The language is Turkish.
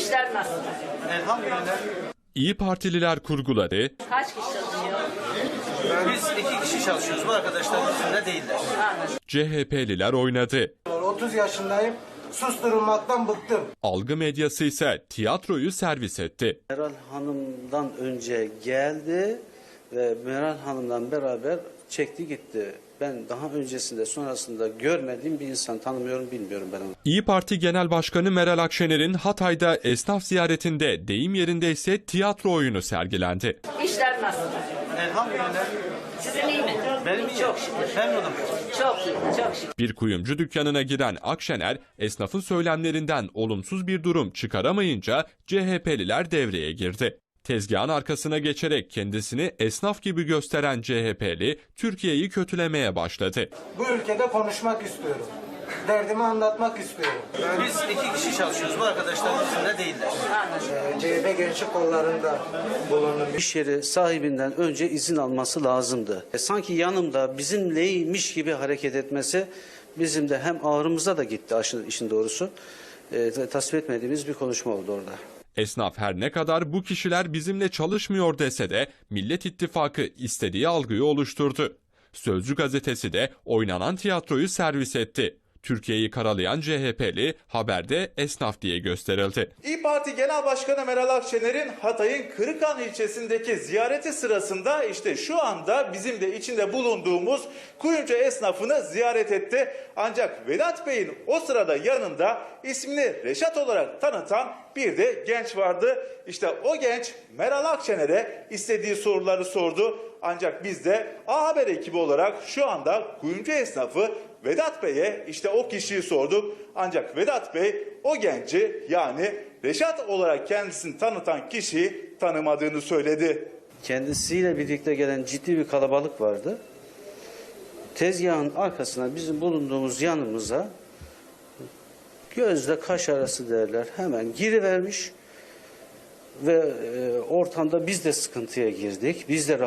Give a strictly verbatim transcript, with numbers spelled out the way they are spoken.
İşler nasıl? Elhamdülillah. İyi Partililer kurguladı. Kaç kişi çalışıyor? Biz iki kişi çalışıyoruz. Bu arkadaşlar bizimle değiller. Anladım. C H P'liler oynadı. otuz yaşındayım. Susturulmaktan bıktım. Algı medyası ise tiyatroyu servis etti. Meral Hanım'dan önce geldi ve Meral Hanım'dan beraber çekti gitti. Ben daha öncesinde sonrasında görmediğim bir insan, tanımıyorum, bilmiyorum ben onu. İyi Parti Genel Başkanı Meral Akşener'in Hatay'da esnaf ziyaretinde deyim yerindeyse tiyatro oyunu sergilendi. İşler nasıl? Elhamdülillah. Sizin iyi mi? Benim iyi. Çok şükür. Memnunum. Çok iyi, çok şükür. Bir kuyumcu dükkanına giren Akşener, esnafın söylemlerinden olumsuz bir durum çıkaramayınca C H P'liler devreye girdi. Tezgahın arkasına geçerek kendisini esnaf gibi gösteren C H P'li Türkiye'yi kötülemeye başladı. Bu ülkede konuşmak istiyorum. Derdimi anlatmak istiyorum. Biz iki kişi çalışıyoruz. Bu arkadaşlar bizimle değiller. Ee, C H P gençlik kollarında bulundum. İş yeri sahibinden önce izin alması lazımdı. E, sanki yanımda bizimleymiş gibi hareket etmesi bizim de hem ağrımıza da gitti aşın, işin doğrusu. E, tasvip etmediğimiz bir konuşma oldu orada. Esnaf her ne kadar bu kişiler bizimle çalışmıyor dese de Millet İttifakı istediği algıyı oluşturdu. Sözcü gazetesi de oynanan tiyatroyu servis etti. Türkiye'yi karalayan C H P'li haberde esnaf diye gösterildi. İyi Parti Genel Başkanı Meral Akşener'in Hatay'ın Kırıkhan ilçesindeki ziyareti sırasında işte şu anda bizim de içinde bulunduğumuz kuyumcu esnafını ziyaret etti. Ancak Vedat Bey'in o sırada yanında ismini Reşat olarak tanıtan bir de genç vardı. İşte o genç Meral Akşener'e istediği soruları sordu. Ancak biz de A Haber ekibi olarak şu anda kuyumcu esnafı Vedat Bey'e işte o kişiyi sorduk. Ancak Vedat Bey o genci yani Reşat olarak kendisini tanıtan kişiyi tanımadığını söyledi. Kendisiyle birlikte gelen ciddi bir kalabalık vardı. Tezgahın arkasına bizim bulunduğumuz yanımıza gözle kaş arası derler hemen girivermiş ve e, ortamda biz de sıkıntıya girdik. Biz de